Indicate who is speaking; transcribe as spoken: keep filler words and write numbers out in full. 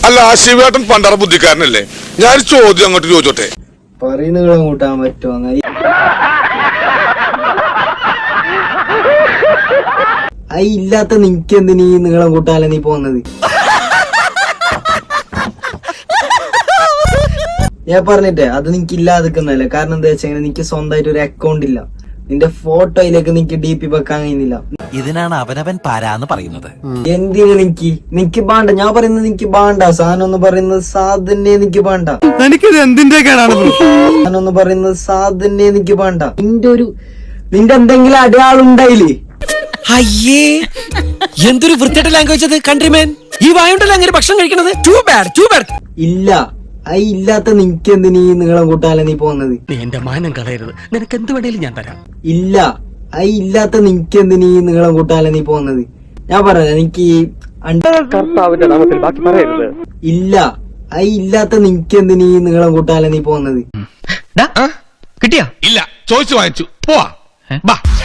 Speaker 1: അല്ല ശിവേട്ടൻ പണ്ടറ ബുദ്ധിക്കാരനല്ലേ? ഞാൻ ചോദ്യം അങ്ങോട്ട് ചോദിച്ചോട്ടെ.
Speaker 2: പറയുന്ന കൂട്ടാൻ പറ്റുമോ? അത് ഇല്ലാത്ത നിനക്ക് എന്തിനീ നീളം കൂട്ടാല നീ പോന്നത്? ഞാൻ പറഞ്ഞിട്ടേ അത് നിനക്ക് ഇല്ലാതിക്കുന്നല്ലേ. കാരണം എന്താ വെച്ചാൽ നിനക്ക് സ്വന്തമായിട്ട് ഒരു അക്കൗണ്ട് ഇല്ല. നിന്റെ ഫോട്ടോയിലേക്ക് നിനക്ക് ഡി പി വെക്കാൻ കഴിയുന്നില്ല.
Speaker 3: ഇതിനാണ് അവനവൻ പാരാന്ന് പറയുന്നത്.
Speaker 2: എന്തിനു നിനക്ക് നിനക്ക് ബാണ്ട? ഞാൻ പറയുന്നത് നിനക്ക് ബാണ്ട. സാധനം എന്ന് പറയുന്നത് സാധനെ നിനക്ക് ബാണ്ട.
Speaker 4: എന്തിന്റെ
Speaker 2: സാധനം എന്ന് പറയുന്നത് സാധനെ നിനക്ക് ബാണ്ട. നിന്റെ ഒരു നിന്റെ എന്തെങ്കിലും അടയാളുണ്ടായില്ലേ?
Speaker 3: അയ്യേ, എന്തൊരു വൃത്തിയായിട്ട് ലാംഗ്വേജ് അത്. കൺട്രിമാൻ, ഈ വായുണ്ടല്ലോ അങ്ങനെ ഭക്ഷണം കഴിക്കണത്. Too bad too bad.
Speaker 2: ഇല്ല, അത് ഇല്ലാത്ത നിനക്ക് എന്തിനീ നീളം കൂട്ടാല നീ പോകുന്നത്?
Speaker 4: നീ എന്റെ മാനം കളയരുത്. നിനക്ക് എന്ത് വേണേലും ഞാൻ തരാം.
Speaker 2: ഇല്ല, അത് ഇല്ലാത്ത നിനക്ക് എന്തിനീ നീളം കൂട്ടാല നീ പോകുന്നത്? ഞാൻ പറഞ്ഞ എനിക്ക്
Speaker 5: കർത്താവിന്റെ നാമത്തിൽ ബാക്കി പറയരുത്.
Speaker 2: ഇല്ല, അത് ഇല്ലാത്ത നിനക്ക് എന്തിനീ നീളം കൂട്ടാല നീ പോകുന്നത്?
Speaker 4: കിട്ടിയാ?
Speaker 1: ഇല്ല, ചോദിച്ചു വാങ്ങിച്ചു. പോവാ.